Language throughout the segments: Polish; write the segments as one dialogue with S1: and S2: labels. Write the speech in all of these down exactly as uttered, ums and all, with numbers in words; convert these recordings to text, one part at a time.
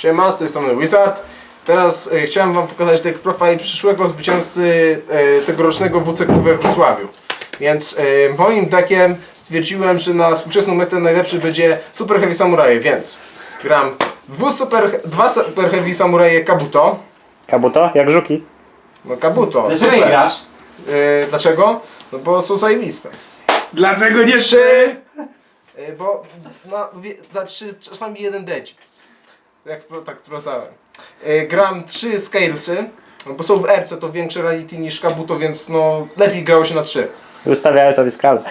S1: Siema, z tej strony Wizard. Teraz e, chciałem wam pokazać deck profile przyszłego zwycięzcy e, tegorocznego W C Q we Wrocławiu. Więc e, moim deckiem stwierdziłem, że na współczesną metę najlepszy będzie Super Heavy Samuraje, więc gram dwu super, dwa Super Heavy Samuraje Kabuto.
S2: Kabuto? Jak żuki?
S1: No Kabuto,
S3: Dlaczego
S1: super.
S3: nie grasz?
S1: E, dlaczego? No bo są zajebiste.
S4: Dlaczego nie
S1: Trzy! E, bo na, wie, na trzy czasami jeden decik. Jak tak sprawdzałem. E, gram trzy Scalesy, no bo są w R C, to większe rarity niż Kabuto, więc no lepiej grało się na trzy.
S2: Ustawiają to w skalę.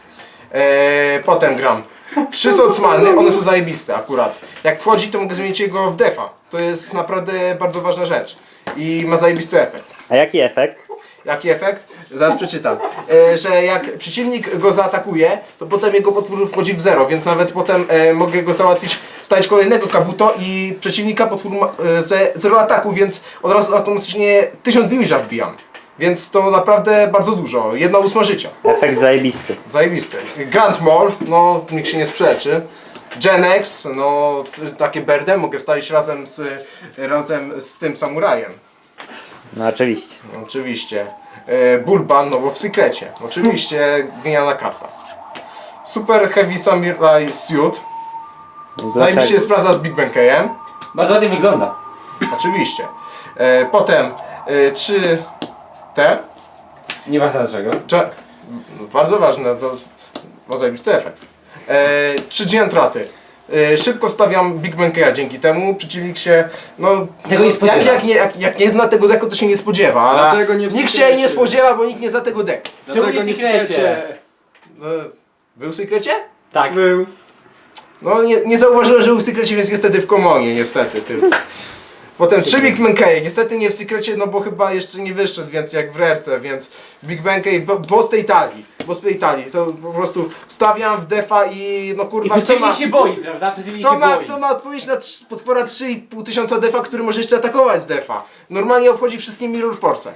S1: E, potem gram trzy Swordsmany, one są zajebiste akurat. Jak wchodzi, to mogę zmienić jego w defa. To jest naprawdę bardzo ważna rzecz. I ma zajebisty efekt.
S2: A jaki efekt?
S1: Jaki efekt? Zaraz przeczytam. E, że jak przeciwnik go zaatakuje, to potem jego potwór wchodzi w zero, więc nawet potem e, mogę go załatwić, stać kolejnego Kabuto i przeciwnika potwór ma e, ze zero ataku, więc od razu automatycznie tysiąc damage'a wbijam. Więc to naprawdę bardzo dużo. Jedna ósma życia.
S2: Efekt zajebisty.
S1: Zajebisty. Grand Mall, no nikt się nie sprzeczy. Genex, no takie berdę mogę wstawić razem z, razem z tym samurajem.
S2: No oczywiście.
S1: Oczywiście. E, Bulban, no bo w sekrecie. Oczywiście genialna karta. Super Heavy Samurai Suit. Zajebiście się sprawdza z Big Benkeyem.
S3: Bardzo ładnie wygląda.
S1: Oczywiście. E, potem e, trzy te.
S3: Nieważne dlaczego.
S1: Cze no, bardzo ważne, to ma zajebisty efekt. E, trzy Giantraty. E, szybko stawiam Big Benkeya dzięki temu. Przeciwnik się, no,
S3: Tego nie spodziewa.
S1: jak, jak, nie, jak, jak nie zna tego deku, to się nie spodziewa. A
S4: Dlaczego nie w
S1: nikt się
S4: sekrecie?
S1: nie spodziewa, bo nikt nie zna tego deku.
S4: Dlaczego
S3: Czemu nie
S4: nie
S3: w
S4: w
S3: sekrecie?
S4: sekrecie?
S1: No, był w sekrecie?
S3: Tak.
S4: Był.
S1: No nie, nie zauważyłem, że był w sekrecie, więc niestety w komonie, niestety tylko. Potem trzy Big Benkeye, niestety nie w sekrecie, no bo chyba jeszcze nie wyszedł, więc jak w rerce, więc Big Benkey, bo, bo z tej talii, bo z tej talii, to po prostu wstawiam w defa i no
S3: I
S1: kurwa, kto ma,
S3: przeciwnik się boi, prawda? Przeciwnik
S1: kto
S3: się
S1: ma,
S3: boi.
S1: kto ma odpowiedź na trz- potwora trzy i pół tysiąca defa, który może jeszcze atakować z defa. Normalnie obchodzi wszystkie Mirror Force.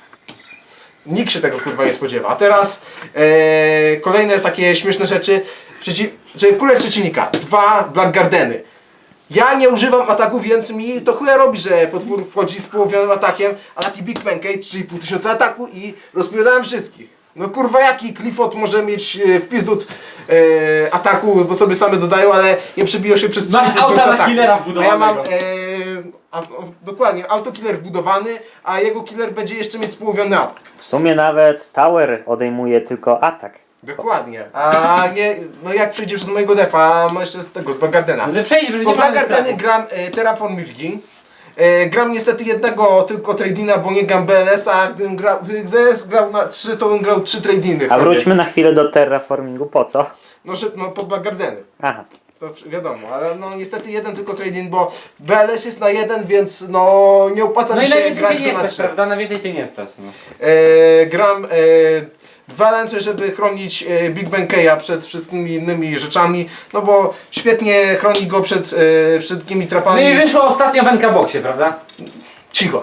S1: Nikt się tego kurwa nie spodziewa. A teraz e, kolejne takie śmieszne rzeczy, przeciw, żeby wkurać przeciwnika. Dwa Black Gardeny. Ja nie używam ataku, więc mi to chuja robi, że potwór wchodzi z połowionym atakiem, a taki Big Benkey trzy i pół tysiąca ataku i rozpierdałem wszystkich. No kurwa, jaki Clifford może mieć e, w pizdut e, ataku, bo sobie same dodają, ale nie przebiją się przez
S3: Masz
S1: trzy tysiące
S3: auta na
S1: ataku.
S3: killera
S1: A ja mam
S3: wbudowanego.
S1: e, a, o, dokładnie, autokiller wbudowany, a jego killer będzie jeszcze mieć społowiony atak.
S2: W sumie nawet Tower odejmuje tylko atak.
S1: Dokładnie. A nie, no jak przejdzie przez mojego defa, ma jeszcze z tego, z Black Gardena.
S3: No to przejdzie, że
S1: Po
S3: nie
S1: Black
S3: ma
S1: Gardeny gram e, Terraform Milgi. E, gram niestety jednego tylko tradina, bo nie gram B L S, a gdybym grał, gdybym B L S grał na trzy, to bym grał trzy tradiny
S2: A
S1: wtedy.
S2: wróćmy na chwilę do terraformingu. Po co?
S1: No, że, no po Black Gardeny.
S2: Aha.
S1: To wsz- wiadomo, ale no niestety jeden tylko trading, bo B L S jest na jeden, więc no nie opłaca
S3: No
S1: mi
S3: i na
S1: się
S3: więcej
S1: grać
S3: cię
S1: go
S3: nie
S1: na
S3: stać,
S1: trzy.
S3: prawda? Na więcej cię nie stać. No.
S1: E, gram e, dwa ręce, żeby chronić e, Big Benkeya przed wszystkimi innymi rzeczami, no bo świetnie chroni go przed e, wszystkimi
S3: no
S1: trapami.
S3: i wyszło ostatnio w N K Boxie, prawda?
S1: Cicho.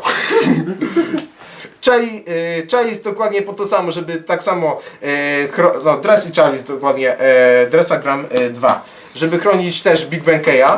S1: Chali, e, Chalice dokładnie po to samo, żeby tak samo e, chro, no, Dress i Chalice dokładnie, e, Dressa gram e, dwa, żeby chronić też Big Benkeya.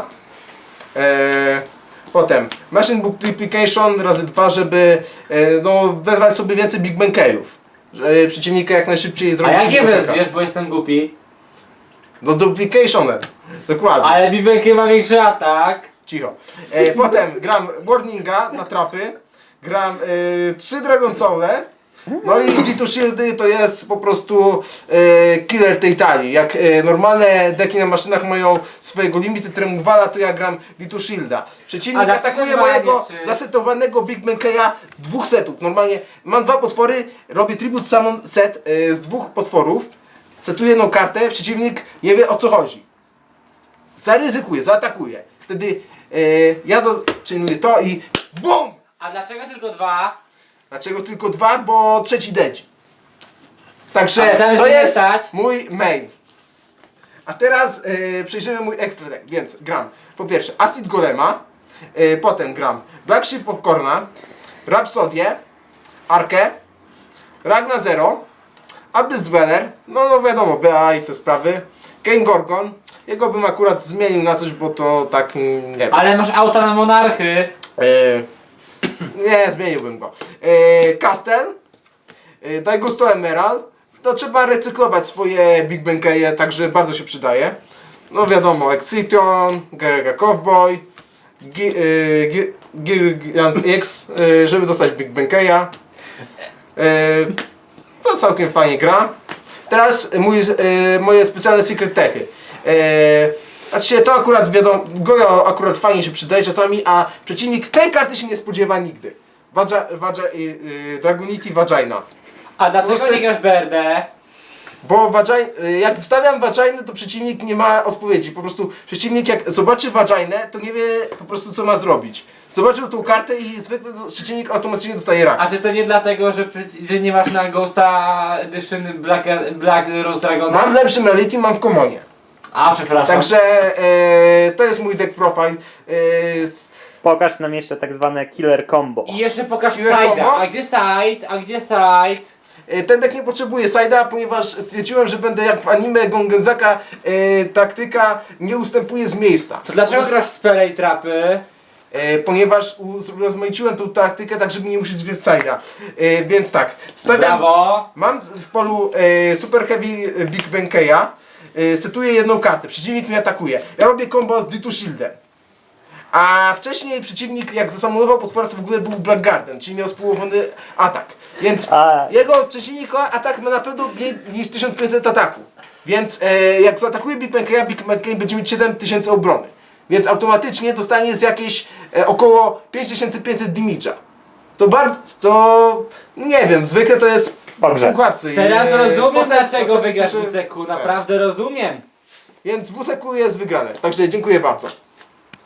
S1: E, potem Machine Multiplication razy dwa, żeby e, no, wezwać sobie więcej Big Benkeyów. Żeby przeciwnika jak najszybciej
S3: A
S1: zrobić.
S3: jak je
S1: kilka.
S3: wezwiesz, bo jestem głupi.
S1: No duplication, dokładnie.
S3: Ale Bibelki ma większy atak.
S1: Cicho. E, potem gram Warninga na trapy, gram e, trzy Dragon Soul'e, no i D two Shieldy to jest po prostu e, killer tej talii. Jak e, normalne deki na maszynach mają swojego limity Tremwala, to ja gram D two Shielda.
S3: A
S1: Przeciwnik
S3: dlaczego
S1: atakuje
S3: dwa,
S1: mojego
S3: nie trzy?
S1: zasetowanego Big Benkeya z dwóch setów. Normalnie mam dwa potwory, robię Tribute Summon set e, z dwóch potworów, setuję jedną kartę, przeciwnik nie wie o co chodzi. Zaryzykuje, zaatakuje. Wtedy e, ja doczynuję to i BUM!
S3: A dlaczego tylko dwa?
S1: Dlaczego tylko dwa? Bo trzeci dedzi. Także
S3: A myślałem,
S1: to
S3: że nie
S1: jest
S3: stać.
S1: mój main. A teraz e, przejrzymy mój extra deck, więc gram po pierwsze Acid Golema, e, potem gram Black Sheep Popcorna, Rhapsodię, Arkę, Ragna Zero, Abyss Dweller, no, no wiadomo, B A i te sprawy, Kane Gorgon, Jego bym akurat zmienił na coś, bo to tak, mm, nie wiem.
S3: Ale masz auta na monarchy.
S1: E, nie, zmieniłbym go. E, Castel, e, Daj Gusto Emerald. No trzeba recyklować swoje Big Benkeje, także bardzo się przydaje. No wiadomo, Exciton, Gaga Cowboy, Gi- e, Gi- Gigant X, e, żeby dostać Big Benkeja. E, no całkiem fajnie gra. Teraz mój, e, moje specjalne secret techy. E, Znaczy to akurat wiadomo, Gojo akurat fajnie się przydaje czasami, a przeciwnik tej karty się nie spodziewa nigdy. Vagi, Vagi, y, y, Dragonity Vagina.
S3: A dlaczego
S1: prostu
S3: nie
S1: jest-
S3: grasz B R D?
S1: Bo vagi, y, jak wstawiam Vaginę, to przeciwnik nie ma odpowiedzi. Po prostu przeciwnik jak zobaczy Vaginę, to nie wie po prostu co ma zrobić. Zobaczył tą kartę i zwykle to przeciwnik automatycznie dostaje rak.
S3: A czy to nie dlatego, że, przeci- że nie masz na Ghosta Edition Black, Black Rose Dragona?
S1: Mam w lepszym reality, mam w komonie.
S3: A, przepraszam.
S1: Także e, to jest mój deck profile. E, s-
S2: Pokaż nam jeszcze tak zwane killer combo.
S3: I jeszcze pokaż
S1: Killer
S3: side'a.
S1: combo?
S3: A gdzie side? A gdzie side?
S1: E, Ten deck nie potrzebuje side'a, ponieważ stwierdziłem, że będę jak w anime Gongenzaka, e, taktyka nie ustępuje z miejsca.
S3: To dlaczego
S1: Po prostu-
S3: grasz spele i trapy?
S1: E, ponieważ urozmaiciłem tą taktykę tak, żeby nie musieć grać side'a. E, więc tak, stawiam,
S3: Brawo.
S1: mam w polu e, Super Heavy Big Benkeya, e, setuję jedną kartę, przeciwnik mnie atakuje. Ja robię combo z D two Shieldem. A wcześniej przeciwnik jak zasamonował potwora, to w ogóle był Black Garden, czyli miał spółowany atak. Więc
S2: A.
S1: jego przeciwnika atak ma na pewno mniej niż tysiąc pięćset ataku. Więc e, jak zaatakuje Big Benkeya, Big Benkey będzie mieć siedem tysięcy obrony. Więc automatycznie dostanie z jakieś e, około pięć tysięcy pięćset damage'a. To bardzo, to nie wiem, zwykle to jest
S2: Pogrzeb.
S1: pułapcy.
S3: Teraz
S1: E,
S3: rozumiem
S1: potem
S3: dlaczego
S1: następny
S3: wygrasz
S1: turze-
S3: W C Q.
S1: tak.
S3: Naprawdę rozumiem.
S1: Więc w W S Q jest wygrane. Także dziękuję bardzo.